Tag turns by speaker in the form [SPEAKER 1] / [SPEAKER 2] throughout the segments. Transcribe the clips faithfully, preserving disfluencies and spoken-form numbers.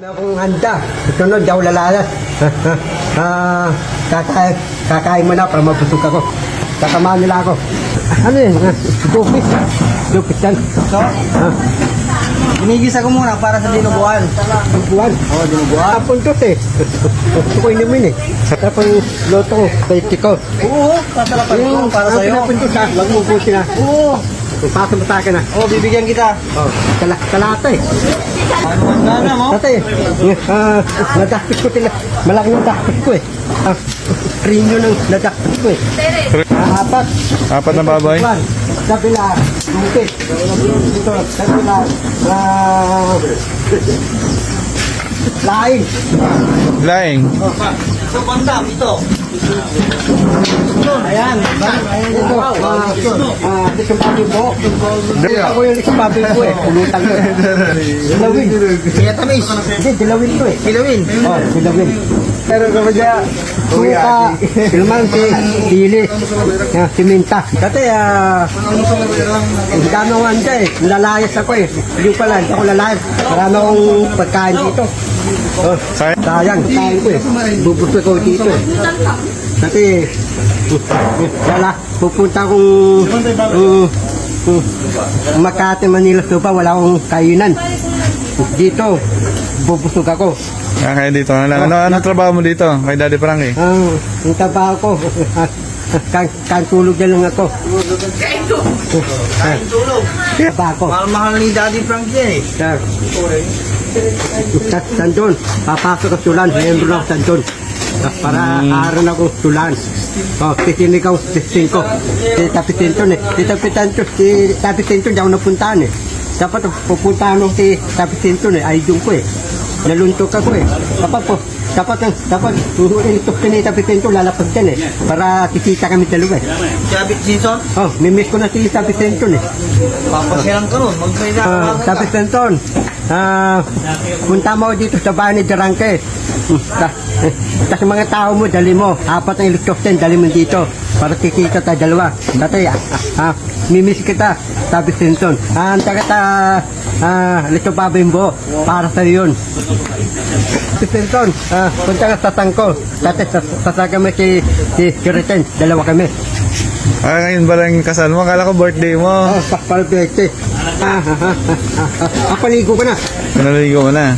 [SPEAKER 1] Na akong handa. Sunod, daw lalayas. Ah, kakain, kakain mo na para mabusog ako. Kakamaan nila ako. Ano yun? Dupis. Dupis yan.
[SPEAKER 2] So,
[SPEAKER 1] Ah,
[SPEAKER 2] ginigisa ko muna para sa dinuguan.
[SPEAKER 1] buwan.
[SPEAKER 2] Oo, oh, dinuguan.
[SPEAKER 1] Ah, puntos eh. Gusto ko inumin eh. Saka pang loto ko, kay Tiko.
[SPEAKER 2] Oo, sasarapan ko para
[SPEAKER 1] ang
[SPEAKER 2] sa'yo.
[SPEAKER 1] pinapuntos ha, wag mo buti na.
[SPEAKER 2] Oo,
[SPEAKER 1] Pasok mo sa akin ha.
[SPEAKER 2] oh, bibigyan kita.
[SPEAKER 1] Oh, kala, kalata eh.
[SPEAKER 2] Ano na na mo?
[SPEAKER 1] Tatay, ah, nadakpit ko sila. Malaki yung dakpit ko eh. Ah, premium ng nadakpit ko eh. Ah, apat.
[SPEAKER 3] Apat na baboy?
[SPEAKER 1] One. Kabila, bukit. Dito, kabila, ah, lain.
[SPEAKER 3] Laing.
[SPEAKER 2] So, bandam, ito. Ayan,
[SPEAKER 1] Ito, ah, ah, lisong baboy po. Ako yung lisong baboy ko eh. Pulutan ko eh. Dilawin.
[SPEAKER 2] Kaya tamis.
[SPEAKER 1] Hindi, dilawin ko eh.
[SPEAKER 2] Kilawin.
[SPEAKER 1] Oh, dilawin. Pero kapag siya, suka, silmansi, sili, ah, siminta. Dati, ah, ang dami akong handa eh. Lalayas ako eh. Hindi ko pala, hindi ako lalayas. Marami akong pagkain dito. Oh,
[SPEAKER 3] Sayang.
[SPEAKER 1] sayang, kain ko eh. Bubusok ko dito eh. Dati, wala, pupunta akong um, um, Makati, Manila, Suba, wala akong kainan. Dito, bubusog ako.
[SPEAKER 3] Ah, kaya dito na lang. Ano, ano trabaho mo dito? Kay Daddy Frankie?
[SPEAKER 1] Ang ang trabaho ko, kan, kan tulog na lang ako.
[SPEAKER 2] Kain tulog.
[SPEAKER 1] Trabaho ko.
[SPEAKER 2] Mahal-mahal ni Daddy Frank yan eh.
[SPEAKER 1] Sir. Sa Sandon, papasok ako sulan, mayroon ako Sandon. Para araw na akong sulan. Oh, titinig ako singko. Si Tapitinton eh. Si Tapitinton, si Tapitinton, di ako napuntahan eh. Dapat pupuntahan ako si Tapitinton eh, ayun ko eh. Naluntok ako eh. Dapat po, dapat, dapat, uhulintok ka ni Tapitinton, lalapag dyan eh. Para kikita kami dalawa eh.
[SPEAKER 2] Jabit Jinson,
[SPEAKER 1] Oh, mimiss ko na si Tapitinton eh.
[SPEAKER 2] papasyalan ka nun. Magsalita ka
[SPEAKER 1] Ah,
[SPEAKER 2] lang.
[SPEAKER 1] Tapos Tonton, ah, punta mo dito sa bahay ni Jarangke. Tapos mga tao mo, dali mo. Apat ang helicopter, dali mo dito. Para kikita tayo dalawa. Tatay, ah, ah, mimiss kita. Tapos Tonton, ah, anta kita, ah, Lito Babimbo. Para sa yun. Tapos Tonton, ah, punta ka sa Tangko. Tatay, sasaga mo si, si Kiriten. Dalawa kami.
[SPEAKER 3] Ah, ngayon ba lang yung kasal mo? Akala ko birthday mo.
[SPEAKER 1] Oh, pakpalpete. Ah, ah, ah, ah, ah, ah, paligo ka na.
[SPEAKER 3] Naligo mo na.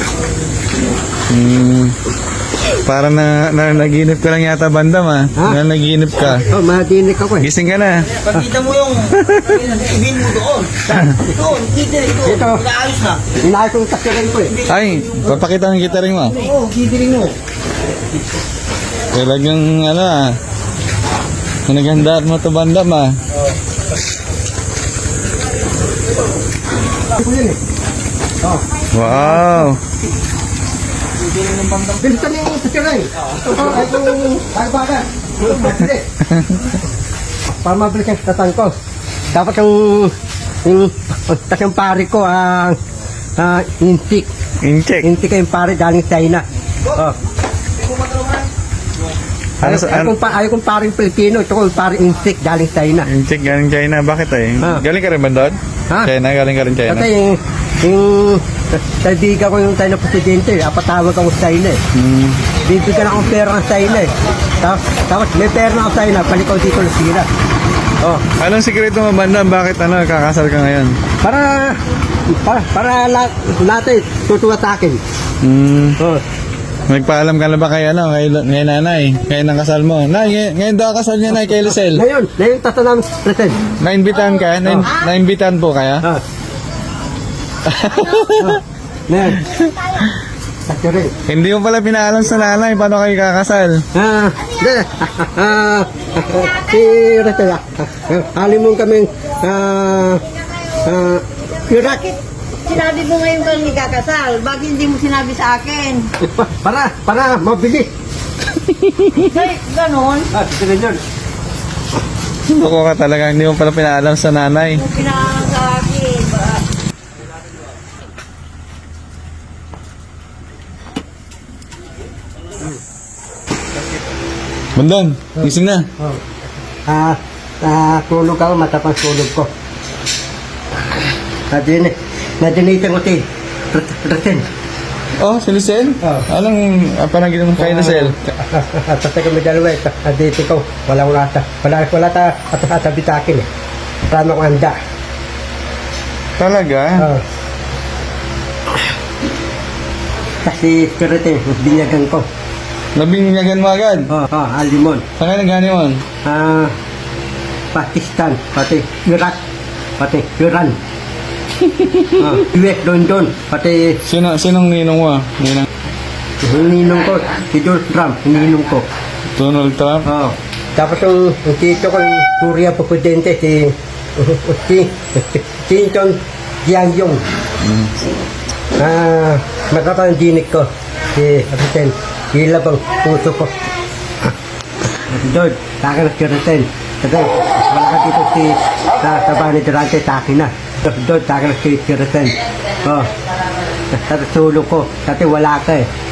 [SPEAKER 3] Hmm. Parang na, na, naginip ka lang yata bandam ah.
[SPEAKER 1] Ha?
[SPEAKER 3] Na naginip ka.
[SPEAKER 1] Oh, madinig ako eh.
[SPEAKER 3] Gising ka na.
[SPEAKER 2] Pagkita mo yung ibin mo doon. Doon, kita ito.
[SPEAKER 1] Ito.
[SPEAKER 2] Inaayos na.
[SPEAKER 1] Inaay kong tasirin ko eh.
[SPEAKER 3] Ay, papakita ng gitaring mo.
[SPEAKER 2] Oo, kidiling mo.
[SPEAKER 3] Talagang ano ah. Naghandaan mo to bandam ah.
[SPEAKER 1] Ako yun eh. Oh,
[SPEAKER 3] Wow.
[SPEAKER 1] bilisan niyo yung tasirin. Ito, ay kong bagbagan. Mabili. Para mabilis yung tatang ko. Dapat yung, yung, tas yung pari ko, ang, ah, intik.
[SPEAKER 3] Incheck.
[SPEAKER 1] Intik yung pari galing China. Oh.
[SPEAKER 3] Ano
[SPEAKER 1] Ayaw,
[SPEAKER 3] sa
[SPEAKER 1] ayaw,
[SPEAKER 3] ano?
[SPEAKER 1] kong, pa, ayaw kong paring Pilipino, ito kong paring intik galing China.
[SPEAKER 3] Incheck galing China. Bakit eh?
[SPEAKER 1] Ah.
[SPEAKER 3] Galing ka rin ba doon?
[SPEAKER 1] Ha?
[SPEAKER 3] China, galing ka rin China.
[SPEAKER 1] Kasi yung, yung kaibigan ko yung tayo na presidente, apatawag ako sa China eh.
[SPEAKER 3] Hmm.
[SPEAKER 1] Bibigyan akong pera ng China eh. Tapos, tapos may pera na ako sa China, palikaw dito na sira. Oh,
[SPEAKER 3] Anong sikreto mo bandam? Bakit ano, kakasal ka ngayon?
[SPEAKER 1] para, para, para lahat, lahat eh, tutuwa sa akin.
[SPEAKER 3] Hmm.
[SPEAKER 1] Oh,
[SPEAKER 3] Nagpaalam ka na ba kay ano, kay, kay nanay? Kay nang kasal mo? Nay, ngay- ngayon daw kasal niya nay kay Lucel.
[SPEAKER 1] ngayon, ngayon tatanam present.
[SPEAKER 3] Naimbitahan ka? Nain, naimbitahan po kaya?
[SPEAKER 1] Ah. Ngayon. Sakyo rin.
[SPEAKER 3] Hindi mo pala pinaalam sa nanay paano kayo kakasal.
[SPEAKER 1] Ah, de, ah, si Rachel, ah, halimong kaming, ah, ah, Iraq.
[SPEAKER 4] Sinabi mo ngayon kang ikakasal, bakit hindi mo sinabi sa akin?
[SPEAKER 1] Para, para, mabilis.
[SPEAKER 4] Ay, ganon.
[SPEAKER 1] Ah, sige yun.
[SPEAKER 3] Loko ka talaga, hindi mo pala pinaalam sa nanay.
[SPEAKER 4] Yung pinangalan sa akin. Ba-
[SPEAKER 3] Bundon, gising na.
[SPEAKER 1] Oh. Ah, ah, tulog ako, matapang tulog ko. Nadin, nadinitan ko si Rasen.
[SPEAKER 3] Oh, si Lucel?
[SPEAKER 1] Oh.
[SPEAKER 3] Anong uh, panagin mo kay Lucel?
[SPEAKER 1] At sa kami dalawa, ito, at dito ko, wala wala ta, wala wala ta, at at bitakin eh. Tama ko anda.
[SPEAKER 3] Talaga?
[SPEAKER 1] Oh. Kasi karete, binyagan ko.
[SPEAKER 3] Nabinyagan mo agad?
[SPEAKER 1] Oh, oh, alimon.
[SPEAKER 3] Saan kayo nagani mo?
[SPEAKER 1] Ah, Pakistan, pati Iraq, pati Iran. Ah, U S London, pati
[SPEAKER 3] Sino, sinong ninong mo? Ninang
[SPEAKER 1] ninong ko, si Donald Trump, ninong ko.
[SPEAKER 3] Donald Trump?
[SPEAKER 1] Oh. Tapos yung, yung tito ko, yung Korea presidente, si si si Chong Jiang-yong. Ah, matatang dinig ko, si President, hila bang puso ko. Doon, sa akin ang President. Kasi, wala ka dito si, sa, sa bahay ni Durante, sa akin na. Doon, sa akin ang President. Oh, sa tulong ko, dati wala ka eh.